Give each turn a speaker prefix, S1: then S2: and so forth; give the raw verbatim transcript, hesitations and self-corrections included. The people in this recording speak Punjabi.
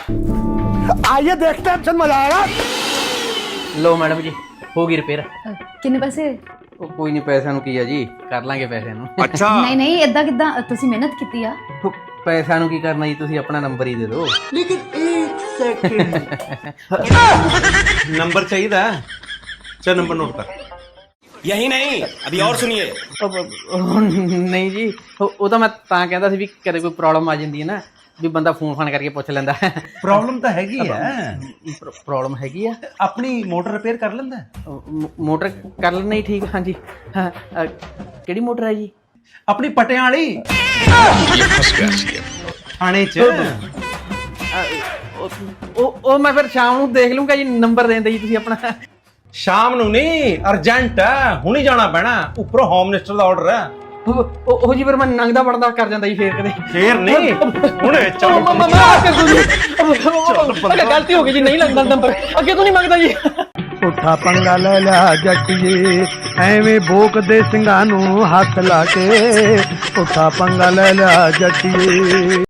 S1: आइए देखते हैं, चल मजा आएगा।
S2: लो मैडम जी हो गई रिपेयर।
S3: ਕਿੰਨੇ ਪੈਸੇ?
S2: ਉਹ ਕੋਈ ਨਹੀਂ, ਪੈਸਿਆਂ ਨੂੰ ਕੀ ਆ ਜੀ, ਕਰ ਲਾਂਗੇ ਪੈਸਿਆਂ ਨੂੰ।
S1: अच्छा
S3: ਨਹੀਂ ਨਹੀਂ ਇਦਾਂ ਕਿਦਾਂ, ਤੁਸੀਂ ਮਿਹਨਤ ਕੀਤੀ ਆ।
S2: ਉਹ ਪੈਸਿਆਂ ਨੂੰ ਕੀ ਕਰਨਾ ਜੀ, ਤੁਸੀਂ ਆਪਣਾ ਨੰਬਰ ਹੀ ਦੇ ਦਿਓ।
S4: नंबर चाहिए था। चल नंबर नोट कर।
S5: यही नहीं, अभी और सुनिए।
S2: ਉਹ- ਉਹ ਨਹੀਂ ਜੀ, ਉਹ ਉਹ ਤਾਂ ਮੈਂ ਤਾਂ ਕਹਿੰਦਾ ਸੀ ਵੀ ਕਦੇ ਕੋਈ ਪ੍ਰੋਬਲਮ ਆ ਜਾਂਦੀ ਹੈ ਨਾ, ਵੀ ਬੰਦਾ ਫੋਨ ਫਾਨ ਕਰਕੇ ਪੁੱਛ ਲੈਂਦਾ।
S4: प्रॉब्लम तो हैगी है।
S2: ਪ੍ਰੋਬਲਮ ਹੈਗੀ ਆ।
S4: अपनी मोटर रिपेयर कर लेंदा है?
S2: ਉਹ ਮੋ- ਮੋਟਰ ਕਰ ਲੈਣਾ ਹੀ ਠੀਕ। ਹਾਂਜੀ ਹਾਂ, ਅ, ਕਿਹੜੀ ਮੋਟਰ ਹੈ ਜੀ?
S4: अपनी पटियां वाली थाने च।
S2: ਅ, ਉਹ- ਉਹ ਉਹ ਮੈਂ ਫਿਰ ਸ਼ਾਮ ਨੂੰ ਦੇਖ ਲੂੰਗਾ ਜੀ, ਨੰਬਰ ਦੇਣ ਦੇ ਜੀ ਤੁਸੀਂ ਆਪਣਾ।
S4: शाम ਨੂੰ ਨਹੀਂ, ਅਰਜੈਂਟ ਹੈ, ਹੁਣੀ ਜਾਣਾ ਪੈਣਾ, ਉੱਪਰੋਂ ਹੋਮ ਮਿਨਿਸਟਰ ਦਾ ਆਰਡਰ ਹੈ।
S2: ਉਹ ਉਹ- ਉਹ ਜੀ ਫਿਰ ਮੈਂ ਨੰਗਦਾ ਵੜਦਾ ਕਰ ਜਾਂਦਾ ਜੀ ਫੇਰ ਕਦੇ।
S4: ਫੇਰ ਨਹੀਂ, ਹੁਣੇ
S2: ਉਹ
S4: ਚੱਲ।
S2: ਮੰਮਾ ਮਾਫ ਕਰ ਦੋ ਜੀ, ਅੱਗੇ ਗਲਤੀ ਹੋ ਗਈ ਜੀ, ਨਹੀਂ ਲੱਗਦਾ ਨੰਬਰ, ਅੱਗੇ ਤੋਂ ਨਹੀਂ ਮੰਗਦਾ ਜੀ।
S1: ਉਠਾ ਪੰਗਾ ਲੈ ਲਿਆ ਜੱਟੀਏ, ਐਵੇਂ ਭੋਕਦੇ ਸਿੰਘਾਂ ਨੂੰ ਹੱਥ ਲਾ ਕੇ। ਉਠਾ ਪੰਗਾ ਲੈ ਲਿਆ ਜੱਟੀਏ।